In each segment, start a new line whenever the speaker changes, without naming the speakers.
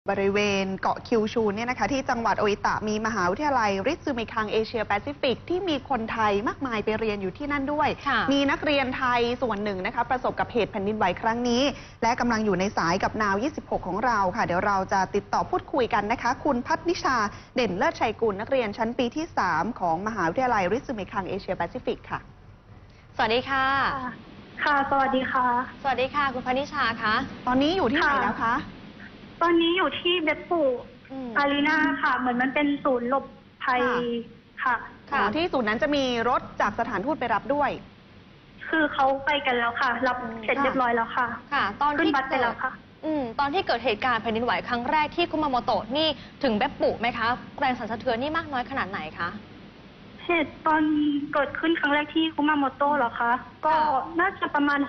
บริเวณเกาะคิวชูเนี่ยนะคะที่จังหวัดโออิตะมีมหาวิทยาลัยริซึมิคังเอเชียแปซิฟิกที่มีคนไทยมากมายไปเรียนอยู่ที่นั่นด้วยมีนักเรียนไทยส่วนหนึ่งนะคะประสบกับเหตุแผ่นดินไหวครั้งนี้และกำลังอยู่ในสายกับนาว 26 ของเราค่ะเดี๋ยวเราจะติดต่อพูดคุยกันนะคะคุณพัฒนิชาเด่นเลิศชัยกุลนักเรียนชั้นปีที่ 3 ของมหาวิทยาลัยริซึมิคังเอเชียแปซิฟิกค่ะ
สวัสดีค่ะ
ค่ะสวัสดีค่ะ
สวัสดีค่ะคุณพัฒนิชาคะ
ตอนนี้อยู่ที่ไหนแล้วคะ
ตอนนี้อยู่ที่เบปปูอารีนาค่ะเหมือนมันเป็นศูนย์หลบภัยค่ะ
ที่ศูนย์นั้นจะมีรถจากสถานทูตไปรับด้วย
คือเขาไปกันแล้วค่ะรับเสร็จเรียบร้อยแล้วค่ะ
ค่ะตอนที่
บัสไปแล้วค่ะ
ตอนที่เกิดเหตุการณ์แผ่นดินไหวครั้งแรกที่คุมาโมโตะนี่ถึงเบปปูไหมคะแรงสั่นสะเทือนนี่มากน้อยขนาดไหนคะ
เหตุตอนเกิดขึ้นครั้งแรกที่คุมาโมโตะเหรอคะก็น่าจะประมาณ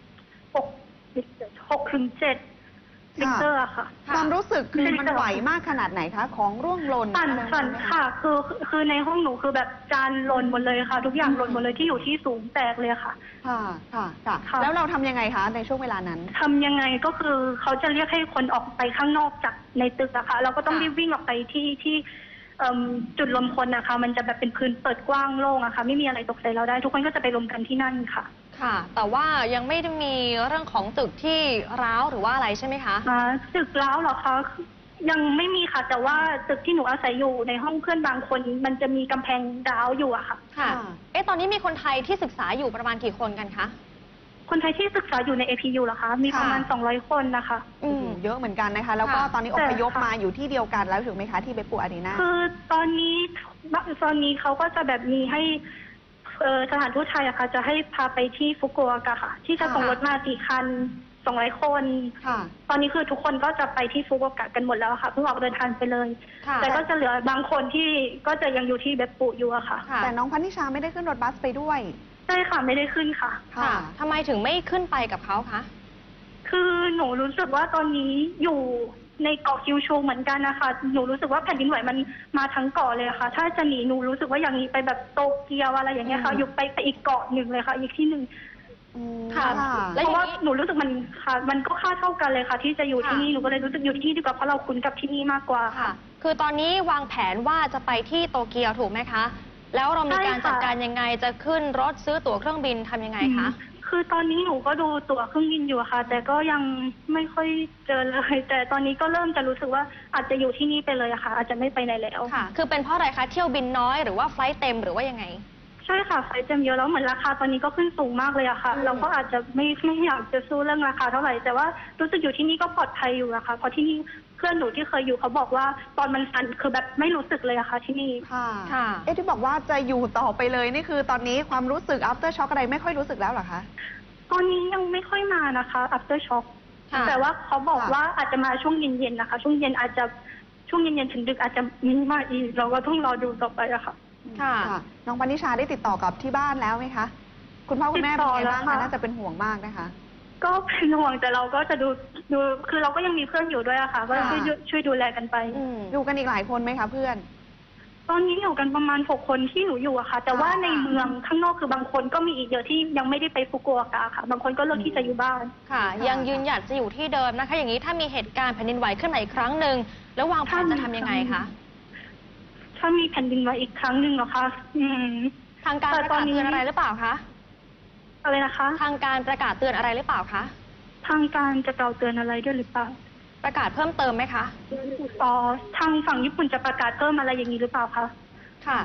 6 ถึง 7ลิเตอร์ค่ะ
ความรู้สึกคือมันไหวมากขนาดไหนคะของร่วงหล่น
สั่นค่ะคือในห้องหนูคือแบบจานหล่นหมดเลยค่ะทุกอย่างหล่นหมดเลยที่อยู่ที่สูงแตกเลยค่ะ
ค่ะแล้วเราทำยังไงคะในช่วงเวลานั้น
ทำยังไงก็คือเขาจะเรียกให้คนออกไปข้างนอกจากในตึกอะค่ะเราก็ต้องรีบวิ่งออกไปที่จุดรวมคนนะคะมันจะแบบเป็นพื้นเปิดกว้างโล่งอะค่ะไม่มีอะไรตกใส่เราได้ทุกคนก็จะไปรวมกันที่นั่นค่ะ
ค่ะแต่ว่ายังไม่ได้มีเรื่องของตึกที่ร้าวหรือว่าอะไรใช่ไหมคะ
ตึกร้าวเหรอคะยังไม่มีค่ะแต่ว่าตึกที่หนูอาศัยอยู่ในห้องเพื่อนบางคนมันจะมีกำแพงร้าวอยู่อะค่ะ
ค่ะตอนนี้มีคนไทยที่ศึกษาอยู่ประมาณกี่คนกันคะ
คนไทยที่ศึกษาอยู่ใน APU เหรอคะมีประมาณ200 คนนะคะ
เยอะเหมือนกันนะคะแล้วก็ตอนนี้อพยพมาอยู่ที่เดียวกันแล้วถูกไหมคะที่เบปปูอารีนา
คือตอนนี้เขาก็จะแบบมีให้สถานทูตไทยอะค่ะจะให้พาไปที่ฟุกุโอกะค่ะที่จะส่งรถมา4 คัน200 คนตอนนี้คือทุกคนก็จะไปที่ฟุกุโอกะกันหมดแล้วค่ะเพิ่งออกเดินทางไปเลยแต่ก็จะเหลือบางคนที่ก็จะยังอยู่ที่เบปปูอยู่อะค่ะ
แต่น้องพัฒนิชาไม่ได้ขึ้นรถบัสไปด้วย
ใช่ค่ะไม่ได้ขึ้นค่ะ
ทำไมถึงไม่ขึ้นไปกับเขาคะ
คือหนูรู้สึกว่าตอนนี้อยู่ในเกาะคิวชูเหมือนกันนะคะหนูรู้สึกว่าแผ่นดินไหวมันมาทั้งเกาะเลยค่ะถ้าจะหนีหนูรู้สึกว่าอย่างนี้ไปแบบโตเกียวอะไรอย่างเงี้ยค่ะอยู่ไปอีกเกาะหนึ่งเลยค่ะอีกที่หนึ่งค่ะเพราะว่าหนูรู้สึกมันก็ค่าเท่ากันเลยค่ะที่จะอยู่ที่นี่หนูก็เลยรู้สึกอยู่ที่นี่ดีกว่าเพราะเราคุ้นกับที่นี่มากกว่าค่ะ
คือตอนนี้วางแผนว่าจะไปที่โตเกียวถูกไหมคะแล้วเรามีการจัดการยังไงจะขึ้นรถซื้อตั๋วเครื่องบินทำยังไงคะ
คือตอนนี้หนูก็ดูตั๋วเครื่องบินอยู่ค่ะแต่ก็ยังไม่ค่อยเจอเลยแต่ตอนนี้ก็เริ่มจะรู้สึกว่าอาจจะอยู่ที่นี่ไปเลยอะค่ะอาจจะไม่ไปไหนแล้ว
ค่ะคือเป็นเพราะอะไรคะเที่ยวบินน้อยหรือว่าไฟล์เต็มหรือว่ายังไง
ใช่ค่ะไฟล์เต็มเยอะแล้วเหมือนราคาตอนนี้ก็ขึ้นสูงมากเลยอะค่ะเราก็อาจจะไม่อยากจะสู้เรื่องราคาเท่าไหร่แต่ว่ารู้สึกอยู่ที่นี่ก็ปลอดภัยอยู่อะค่ะเพราะที่นี่เพื่อนหนูที่เคยอยู่เขาบอกว่าตอนมันสั่นคือแบบไม่รู้สึกเลยอะค่ะที่นี่
ค่ะที่บอกว่าจะอยู่ต่อไปเลยนี่คือตอนนี้ความรู้สึก after shock อะไรไม่ค่อยรู้สึกแล้วเหรอคะ
ตอนนี้ยังไม่ค่อยมานะคะ after shock แต่ว่าเขาบอกว่าอาจจะมาช่วงเย็นๆนะคะช่วงเย็นอาจจะช่วงเย็นๆถึงดึกอาจจะมีมาอีกเราก็ต้องรอดูต่อไปอะค่ะ
ค่ะน้องพัฒนิชาได้ติดต่อกับที่บ้านแล้วไหมคะคุณพ่อคุณแม่เป็นไงบ้างคะน่าจะเป็นห่วงมากนะคะ
ก็เป็นห่วงแต่เราก็จะดูคือเราก็ยังมีเพื่อนอยู่ด้วยอะค่ะก็ช่วยดูแลกันไป
อยู่กันอีกหลายคนไหมคะเพื่อน
ตอนนี้อยู่กันประมาณ6 คนที่หนูอยู่อะค่ะแต่ว่าในเมืองข้างนอกคือบางคนก็มีอีกเยอะที่ยังไม่ได้ไปฟุกุโอกะค่ะบางคนก็เลือกที่จะอยู่บ้าน
ค่ะยังยืนหยัดจะอยู่ที่เดิมนะคะอย่างนี้ถ้ามีเหตุการณ์แผ่นดินไหวขึ้นมาอีกครั้งหนึ่งแล้ววางแผนจะทำยังไงคะ
ถ้ามีแผ่นดินไหวอีกครั้งหนึ่งเหรอคะ
ทางการประกาศเตือนอะไรหรือเปล่าคะ
อะไรนะคะ
ทางการประกาศเตือนอะไรหรือเปล่าคะ
ทางการจะกล่าวเตือนอะไรด้วยหรือเปล่า
ประกาศเพิ่มเติมไหมคะ
ทางฝั่งญี่ปุ่นจะประกาศเพิ่มอะไรอย่างนี้หรือเปล่าคะ
ค่ะ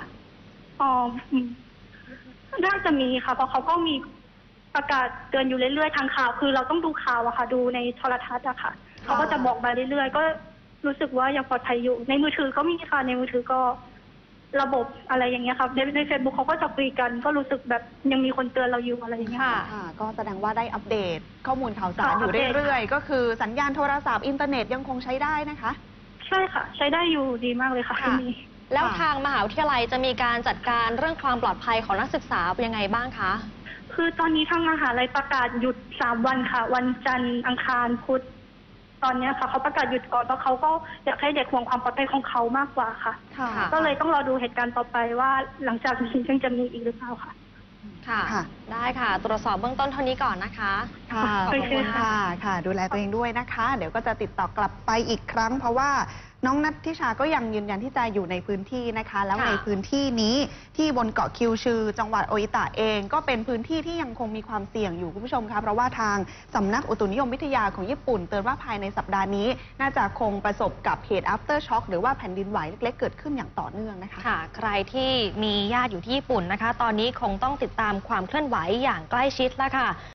น่าจะมีค่ะเพราะเขาก็มีประกาศเตือนอยู่เรื่อยๆทางข่าวคือเราต้องดูข่าวอะค่ะดูในโทรทัศน์อะค่ะเขาก็จะบอกมาเรื่อยๆก็รู้สึกว่ายังปลอดภัยอยู่ในมือถือก็มีค่ะในมือถือก็ระบบอะไรอย่างเงี้ยครับในเฟซบุ๊กเขาก็จะคุยกันก็รู้สึกแบบยังมีคนเตือนเราอยู่อะไรอย่างเงี้ย
ค่ะก็แสดงว่าได้อัปเดตข้อมูลข่าวสารอยู่เรื่อยๆก็คือสัญญาณโทรศัพท์อินเทอร์เน็ตยังคงใช้ได้นะคะ
ใช่ค่ะใช้ได้อยู่ดีมากเลยค่ะที่นี่
แล้วทางมหาวิทยาลัยจะมีการจัดการเรื่องความปลอดภัยของนักศึกษาเป็นยังไงบ้างคะ
คือตอนนี้ทางมหาลัยประกาศหยุด3 วันค่ะวันจันทร์อังคารพุธตอนนี้ค่ะเขาประกาศหยุดก่อนเพราะเขาก็อยากให้เด็กห่วงความปลอดภัยของเขามากกว่าค่ะก็เลยต้องรอดูเหตุการณ์ต่อไปว่าหลังจากนี้ยังจะมีอีกหรือเปล่าค่ะ
ค่ะ
ค่ะ
ได้ค่ะ ตรวจสอบเบื้องต้นเท่านี้ก่อนนะคะ
ค่ะ
ขอบคุณ
ค่ะ ค่ะ ดูแลตัวเองด้วยนะคะ เดี๋ยวก็จะติดต่อกลับไปอีกครั้ง เพราะว่าน้องนัทธิชาก็ยังยืนยันที่จะอยู่ในพื้นที่นะคะ แล้ว
ค่ะ
ในพื้นที่นี้ที่บนเกาะคิวชือ จังหวัดโออิตะเองก็เป็นพื้นที่ที่ยังคงมีความเสี่ยงอยู่คุณผู้ชมคะเพราะว่าทางสำนักอุตุนิยมวิทยาของญี่ปุ่นเตือนว่าภายในสัปดาห์นี้ น่าจะคงประสบกับเหตุ after shock หรือว่าแผ่นดินไหวเล็กๆเกิดขึ้นอย่างต่อเนื่องนะคะ
ค่ะ ใครที่มีญาติอยู่ที่ญี่ปุ่นนะคะ ตอนนี้คงต้องติดตามความเคลื่อนไหวอย่างใกล้ชิดแล้วค่ะ